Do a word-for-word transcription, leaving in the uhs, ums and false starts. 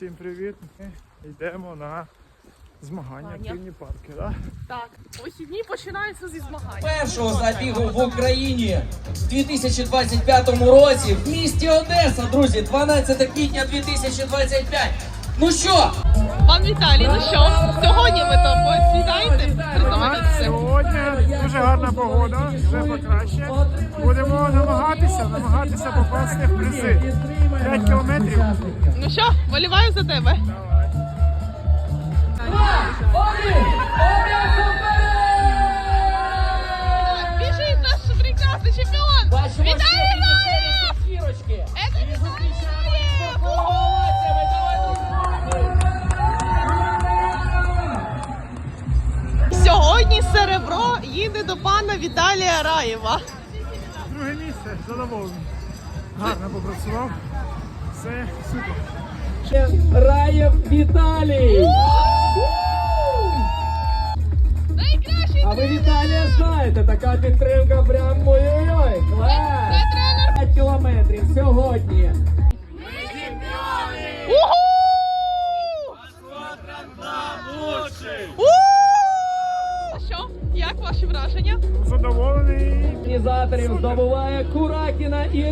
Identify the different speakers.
Speaker 1: всім привіт. Ми йдемо на змагання в активні парки. Да?
Speaker 2: Так, вихідні починаються зі змагань.
Speaker 3: Першого забігу в Україні в дві тисячі двадцять п'ятому році в місті Одеса, друзі, дванадцяте квітня дві тисячі двадцять п'ять. Ну що?
Speaker 2: Пан Віталій, ну що? Сьогодні ви то посідаєте? Признаєтеся?
Speaker 1: Сьогодні дуже гарна погода, вже покраще. Будемо намагатися, намагатися попасти в призи. п'ять кілометрів.
Speaker 2: Ну що, виліваю за тебе. Біжить наш прекрасний чемпіон! Віталій Раєв! Це Віталій Раєв! Сьогодні серебро їде до пана Віталія Раєва.
Speaker 1: Друге місце, задоволений. Гарно попрацював. Все супер.
Speaker 3: Раєв Віталій!
Speaker 2: Найкращий
Speaker 3: А ви Віталія знаєте, така підтримка прям ой-ой-ой, клас!
Speaker 2: Це тренер.
Speaker 3: п'ять кілометрів сьогодні.
Speaker 2: Уху! У! Що? Як ваші враження?
Speaker 1: Задоволений.
Speaker 3: Організаторів здобуває Куракіна і